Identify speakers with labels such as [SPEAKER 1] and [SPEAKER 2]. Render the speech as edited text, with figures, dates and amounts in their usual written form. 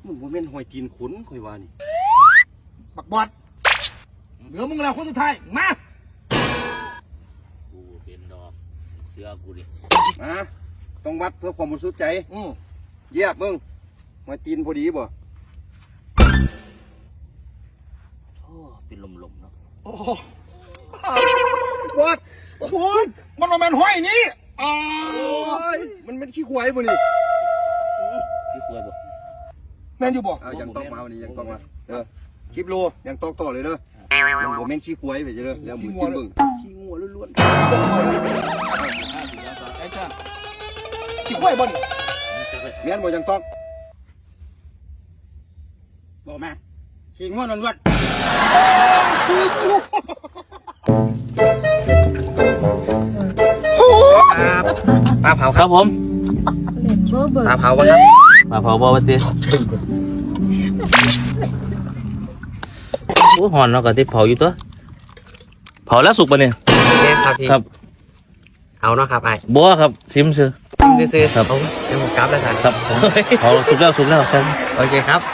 [SPEAKER 1] มันบ่แม่นหอยตีนขนข่อยว่านี่
[SPEAKER 2] บักบอดเหลือมึงแล้วคนสุดท้ายมา
[SPEAKER 3] กูเป็นดอกเสื้อกูดิ
[SPEAKER 1] มาต้องวัดเพื่อความบริสุทธิ์ใจ
[SPEAKER 2] อือ
[SPEAKER 1] เยียบมึงหอยตีนพอดีบ่
[SPEAKER 3] โอ้เป็นลมๆเนาะ
[SPEAKER 2] โอ้บอดคุณมันมาแมนห้อยนี่
[SPEAKER 1] มันเป็นขี้ควายบ่นี่
[SPEAKER 3] พี่ควายบ่
[SPEAKER 2] แมนอยู่บ่
[SPEAKER 1] ยังต้องมาวันนี้ยังต้องมาคลิปโลยังต้องต่อเลยเด้อมันบ่แม่นขี้ควายไปเด้อแล้วมึงกินมึงขี้งัวล้วน
[SPEAKER 2] ๆไอ้จ้าขี้ควายบ่นี่
[SPEAKER 1] แม่นบ่ยังต้อง
[SPEAKER 4] บอกมาขี้งัวล้วน
[SPEAKER 1] ปลาเผา
[SPEAKER 3] ครับผม
[SPEAKER 1] ปลาเผาบ่ครับ
[SPEAKER 3] มาเผาบ่ว่าสิโอ้หอนเนาะก็ที่เผาอยู่ตัวเผาแล้วสุกปะเนี่ย
[SPEAKER 5] ครับพี่
[SPEAKER 3] ครับ
[SPEAKER 5] เอาเนาะครับไอ้
[SPEAKER 3] บ่ครับซิมซื้อ
[SPEAKER 5] ซื้อ
[SPEAKER 3] ครับ
[SPEAKER 5] เดี๋ยวผมกลับแล้วกัน
[SPEAKER 3] ครับเผาสุกแล้วครับ
[SPEAKER 5] โอเคครับ